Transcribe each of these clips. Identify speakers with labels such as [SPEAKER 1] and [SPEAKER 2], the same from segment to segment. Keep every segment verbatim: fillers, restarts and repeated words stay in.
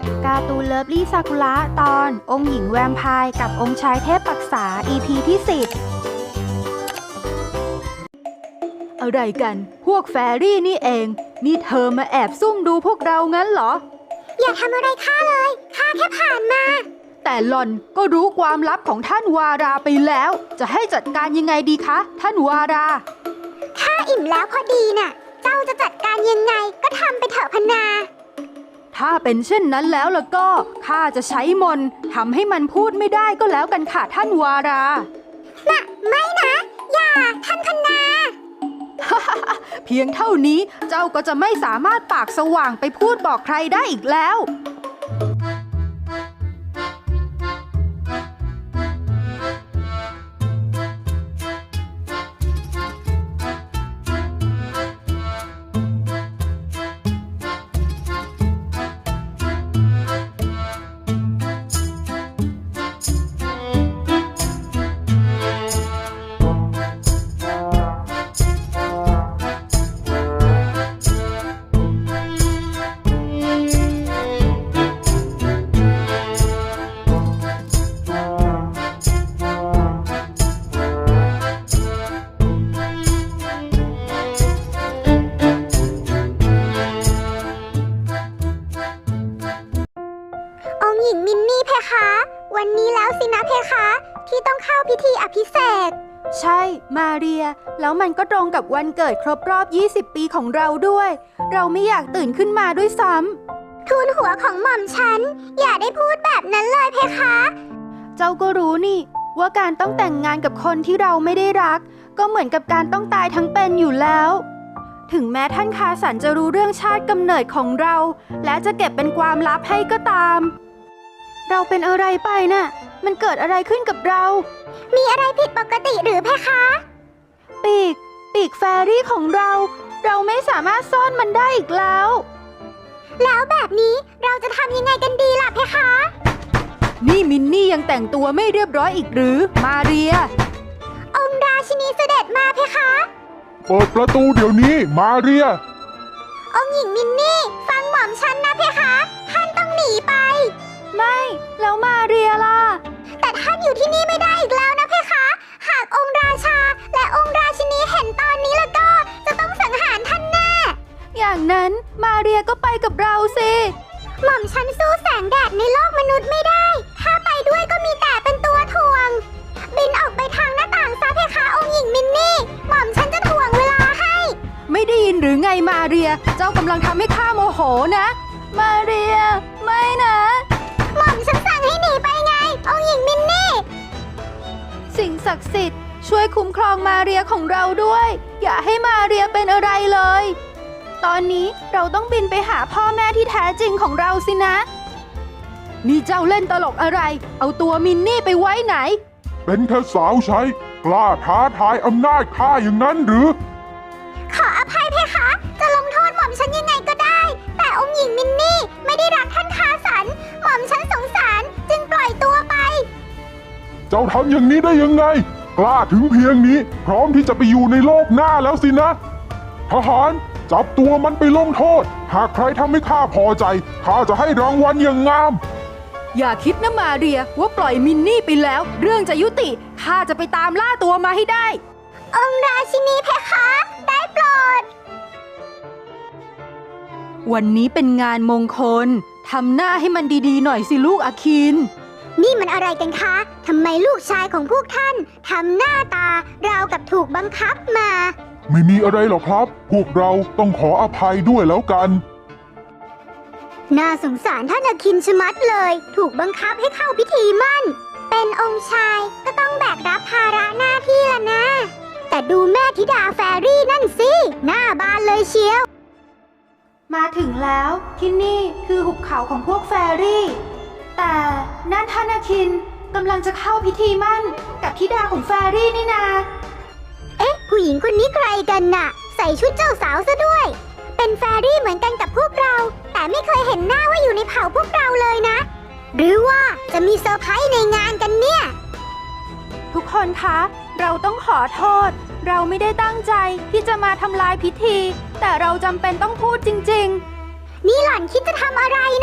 [SPEAKER 1] การ์ตูนเลิฟลี่ซากุระตอนองค์หญิงแวมไพร์กับองค์ชายเทพปรักษา อี พี ที่สิบอะไรกันพวกแฟรี่นี่เองนี่เธอมาแอบซุ่มดูพวกเรางั้นเหรอ
[SPEAKER 2] อย่าทำอะไรข้าเลยข้าแค่ผ่านมา
[SPEAKER 1] แต่หล่อนก็รู้ความลับของท่านวาราไปแล้วจะให้จัดการยังไงดีคะท่านวารา
[SPEAKER 2] ข้าอิ่มแล้วพอดีน่ะเจ้าจะจัดการยังไงก็ทำไปเถอะพนา
[SPEAKER 1] ถ้าเป็นเช่นนั้นแล้วล่ะก็ข้าจะใช้มนต์ทำให้มันพูดไม่ได้ก็แล้วกันค่ะท่านวารา
[SPEAKER 2] น่ะไม่นะอย่าท่านพนา
[SPEAKER 1] เพียงเท่านี้เจ้าก็จะไม่สามารถปากสว่างไปพูดบอกใครได้อีกแล้ว
[SPEAKER 2] หญิงมินนี่เพคะวันนี้แล้วสินะเพคะที่ต้องเข้าพิธีอภิเษก
[SPEAKER 1] ใช่มาเรียแล้วมันก็ตรงกับวันเกิดครบรอบยี่สิบปีของเราด้วยเราไม่อยากตื่นขึ้นมาด้วยซ้
[SPEAKER 2] ำทูลหัวของหม่อมฉันอย่าได้พูดแบบนั้นเลยเพคะ
[SPEAKER 1] เจ้าก็รู้นี่ว่าการต้องแต่งงานกับคนที่เราไม่ได้รักก็เหมือนกับการต้องตายทั้งเป็นอยู่แล้วถึงแม้ท่านคาสันจะรู้เรื่องชาติกำเนิดของเราและจะเก็บเป็นความลับให้ก็ตามเราเป็นอะไรไปน่ะมันเกิดอะไรขึ้นกับเรา
[SPEAKER 2] มีอะไรผิดปกติหรือเพคะ
[SPEAKER 1] ปีกปีกแฟรี่ของเราเราไม่สามารถซ่อนมันได้อีกแล้ว
[SPEAKER 2] แล้วแบบนี้เราจะทำยังไงกันดีล่ะเพคะ
[SPEAKER 1] นี่มินนี่ยังแต่งตัวไม่เรียบร้อยอีกหรือมาเรีย
[SPEAKER 2] องค์ราชินีเสด็จมาเพคะ
[SPEAKER 3] เปิดประตูเดี๋ยวนี้มาเรีย
[SPEAKER 2] องค์หญิงมินนี่ฟังหม่อมฉันนะเพคะท่านต้องหนีไป
[SPEAKER 1] ไม่แล้วมาเรียล่ะ
[SPEAKER 2] แต่ท่านอยู่ที่นี่ไม่ได้อีกแล้วนะเพคะหากองค์ราชาและองค์ราชินีเห็นตอนนี้แล้วก็จะต้องสังหารท่านแน่
[SPEAKER 1] อย่างนั้นมาเรียก็ไปกับเราสิ
[SPEAKER 2] หม่อมฉันสู้แสงแดดในโลกมนุษย์ไม่ได้ถ้าไปด้วยก็มีแต่เป็นตัวถ่วงบินออกไปทางหน้าต่างซะเพคะองค์หญิงมินนี่หม่อมฉันจะถ่วงเวลาให้
[SPEAKER 1] ไม่ได้ยินหรือไงมาเรียเจ้ากำลังทำให้ข้าโมโหนะมาเรียไม่นะ
[SPEAKER 2] หม่อมฉันสั่งให้หนีไปไงองค์หญิงมินนี่
[SPEAKER 1] สิ่งศักดิ์สิทธิ์ช่วยคุ้มครองมาเรียของเราด้วยอย่าให้มาเรียเป็นอะไรเลยตอนนี้เราต้องบินไปหาพ่อแม่ที่แท้จริงของเราสินะนี่เจ้าเล่นตลกอะไรเอาตัวมินนี่ไปไว้ไหน
[SPEAKER 3] เป็นแค่สาวใช้กล้าท้าทายอำนาจข้าอย่างนั้นหรือ
[SPEAKER 2] ขออภัยเพคะจะลงโทษหม่อมฉันยังไงก็ได้แต่องค์หญิงมินนี่ไม่ได้รักท่านคาสันหม่อมฉันสงสารจึงปล่อยตัวไป
[SPEAKER 3] เจ้าทำอย่างนี้ได้ยังไงกล้าถึงเพียงนี้พร้อมที่จะไปอยู่ในโลกหน้าแล้วสินะทหารจับตัวมันไปลงโทษหากใครทำให้ข้าพอใจข้าจะให้รางวัลอย่างงาม
[SPEAKER 1] อย่าคิดนะมาเรียว่าปล่อยมินนี่ไปแล้วเรื่องจะยุติข้าจะไปตามล่าตัวมาให้ได้
[SPEAKER 2] องค์ราชินีเพคะได้โปรด
[SPEAKER 1] วันนี้เป็นงานมงคลทำหน้าให้มันดีๆหน่อยสิลูกอาคิน
[SPEAKER 2] นี่มันอะไรกันคะทำไมลูกชายของพวกท่านทำหน้าตาราวกับถูกบังคับมา
[SPEAKER 3] ไม่มีอะไรหรอกครับพวกเราต้องขออภัยด้วยแล้วกัน
[SPEAKER 2] น่าสงสารท่านอาคินชะมัดเลยถูกบังคับให้เข้าพิธีมั่นเป็นองค์ชายก็ต้องแบกรับภาระหน้าที่ละนะแต่ดูแม่ธิดาแฟรี่นั่นสิหน้าบานเลยเชียว
[SPEAKER 1] มาถึงแล้วที่นี่คือหุบเขาของพวกแฟรี่แต่นั่นท่านอาคินกำลังจะเข้าพิธีมั่นกับธิดาของแฟรี่นี่นา
[SPEAKER 2] เอ๊ะผู้หญิงคนนี้ใครกันน่ะใส่ชุดเจ้าสาวซะด้วยเป็นแฟรี่เหมือนกันกับพวกเราแต่ไม่เคยเห็นหน้าว่าอยู่ในเผ่าพวกเราเลยนะหรือว่าจะมีเซอร์ไพรส์ในงานกันเนี่ย
[SPEAKER 1] ทุกคนคะเราต้องขอโทษเราไม่ได้ตั้งใจที่จะมาทำลายพิธีแต่เราจำเป็นต้องพูดจริงๆ
[SPEAKER 2] นี่หล่อนคิดจะทำอะไรน่ะ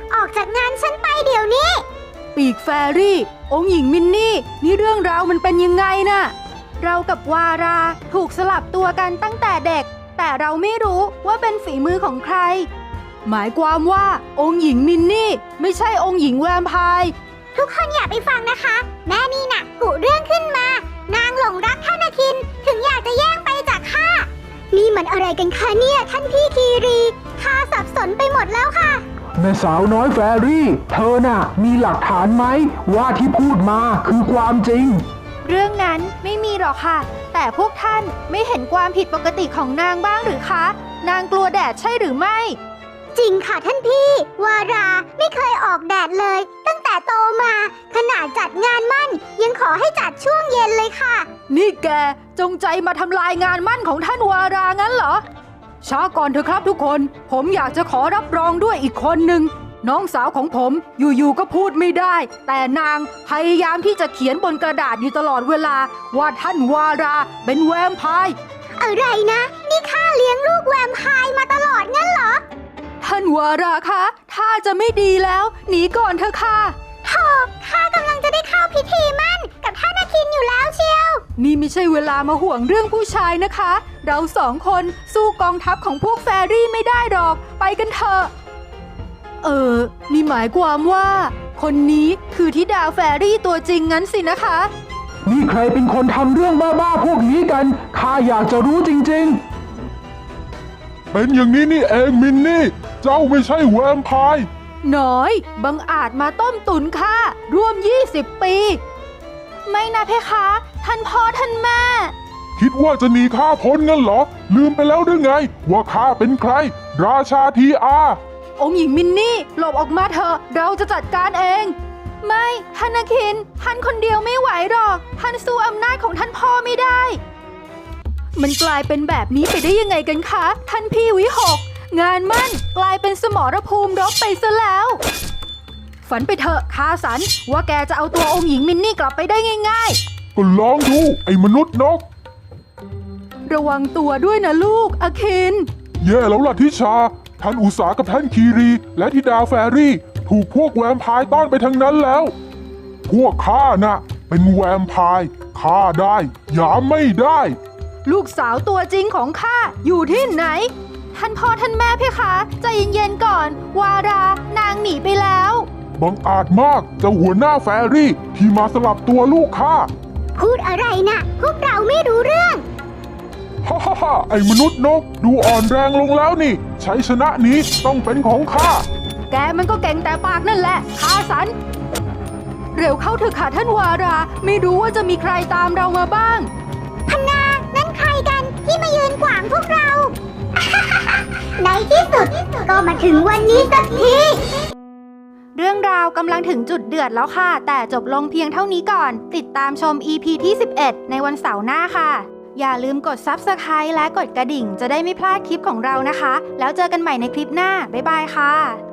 [SPEAKER 2] ออกจากงานฉันไปเดี๋ยวนี้
[SPEAKER 1] ปีกแฟรี่ องค์หญิงมินนี่ นี่เรื่องราวมันเป็นยังไงน่ะ เรากับวาราถูกสลับตัวกันตั้งแต่เด็ก แต่เราไม่รู้ว่าเป็นฝีมือของใคร หมายความว่าองค์หญิงมินนี่ไม่ใช่องค์หญิงแวมไพร์
[SPEAKER 2] ทุกคนอย่าไปฟังนะคะ แม่นี่น่ะกุเรื่องขึ้นมา นางหลงรักท่านอาคินถึงอยากจะแย่งไปจากข้า นี่มันอะไรกันคะเนี่ยท่านพี่คีรีข้าสับสนไปหมดแล้วค่ะ
[SPEAKER 4] แม่สาวน้อยแฟรี่ เธอน่ะ มีหลักฐานไหมว่าที่พูดมาคือความจริง
[SPEAKER 1] เรื่องนั้นไม่มีหรอกค่ะ แต่พวกท่านไม่เห็นความผิดปกติของนางบ้างหรือคะ นางกลัวแดดใช่หรือไม่
[SPEAKER 2] จริงค่ะท่านพี่ วาราไม่เคยออกแดดเลย ตั้งแต่โตมา ขนาดจัดงานมั่น ยังขอให้จัดช่วงเย็นเลยค่ะ
[SPEAKER 1] นี่แกจงใจมาทำลายงานมั่นของท่านวารางั้นเหรอ ช้าก่อนเถอะครับทุกคน ผมอยากจะขอรับรองด้วยอีกคนหนึ่ง น้องสาวของผมอยู่ๆก็พูดไม่ได้ แต่นางพยายามที่จะเขียนบนกระดาษอยู่ตลอดเวลาว่าท่านวาราเป็นแวมไพร์
[SPEAKER 2] อะไรนะ นี่ข้าเลี้ยงลูกแวมไพร์มาตลอดงั้นเหรอ
[SPEAKER 1] ท่านวาราคะถ้าจะไม่ดีแล้วหนีก่อนเถอะค่ะ
[SPEAKER 2] โธ่ข้ากำลังจะได้เข้าพิธีมั่นกับท่านอาคินอยู่แล้วเชียว
[SPEAKER 1] นี่ไม่ใช่เวลามาห่วงเรื่องผู้ชายนะคะ เราสองคนสู้กองทัพของพวกแฟรี่ไม่ได้หรอก ไปกันเถอะ เออ นี่หมายความว่า คนนี้คือธิดาแฟรี่ตัวจริงงั้นสินะคะ
[SPEAKER 4] นี่ใครเป็นคนทำเรื่องบ้าๆพวกนี้กัน ข้าอยากจะรู้จริง
[SPEAKER 3] เป็นอย่างนี้นี่เองมินนี่ เจ้าไม่ใช่แวมไพร์
[SPEAKER 1] น้อย บังอาจมาต้มตุนข้าร่วมยี่สิบปี ไม่นะเพคะ ท่านพ่อท่านแม่
[SPEAKER 3] คิดว่าจะหนีข้าพ้นงั้นเหรอ ลืมไปแล้วหรือไง ว่าข้าเป็นใคร ราชาทีอา
[SPEAKER 1] องค์หญิงมินนี่หลบออกมาเถอะ เราจะจัดการเอง ไม่ท่านอาคิน ท่านคนเดียวไม่ไหวหรอก ท่านสู้อำนาจของท่านพ่อไม่ได้ มันกลายเป็นแบบนี้ไปได้ยังไงกันคะ ท่านพี่วิหก งานมั่นกลายเป็นสมรภูมิรบไปซะแล้ว ฝันไปเถอะคาสัน ว่าแกจะเอาตัวองค์หญิงมินนี่กลับไปได้ง่าย
[SPEAKER 3] ก็ลองดู ไอ้มนุษย์นก
[SPEAKER 1] ๆ ระวังตัวด้วยนะลูกอาคิน
[SPEAKER 3] แย่แล้วล่ะทิชา ท่านอุษากับท่านคีรี และธิดาแฟรี่ ถูกพวกแวมไพร์ต้อนไปทั้งนั้นแล้ว พวกข้าน่ะ เป็นแวมไพร์ฆ่าได้หยามไม่ได้
[SPEAKER 1] ลูกสาวตัวจริงของข้าอยู่ที่ไหน ท่านพ่อท่านแม่เพคะใจเย็นๆก่อน วารานางหนีไปแล้ว
[SPEAKER 3] บังอาจมากเจ้าหัวหน้าแฟรี่ที่มาสลับตัวลูกข้า
[SPEAKER 2] พูดอะไรนะพวกเราไม่รู้เรื่อง
[SPEAKER 3] ฮ่าฮ่าฮ่าไอ้มนุษย์นก ดูอ่อนแรงลงแล้วนี่ ชัยชนะนี้ต้องเป็นของข้า
[SPEAKER 1] แกมันก็เก่งแต่ปากนั่นแหละคาสัน เร็วเข้าเถอะค่ะท่านวารา ไม่รู้ว่าจะมีใครตามเรามาบ้าง
[SPEAKER 2] พนานั่นใครกันที่มายืนขวางพวกเรา ในที่สุดก็มาถึงวันนี้สักที
[SPEAKER 1] เรื่องราวกำลังถึงจุดเดือดแล้วค่ะ แต่จบลงเพียงเท่านี้ก่อน ติดตามชม อี พี ที่ สิบเอ็ด ในวันเสาร์หน้าค่ะ อย่าลืมกด ซับสไครบ์ และกดกระดิ่งจะได้ไม่พลาดคลิปของเรานะคะ แล้วเจอกันใหม่ในคลิปหน้า บ๊ายบายค่ะ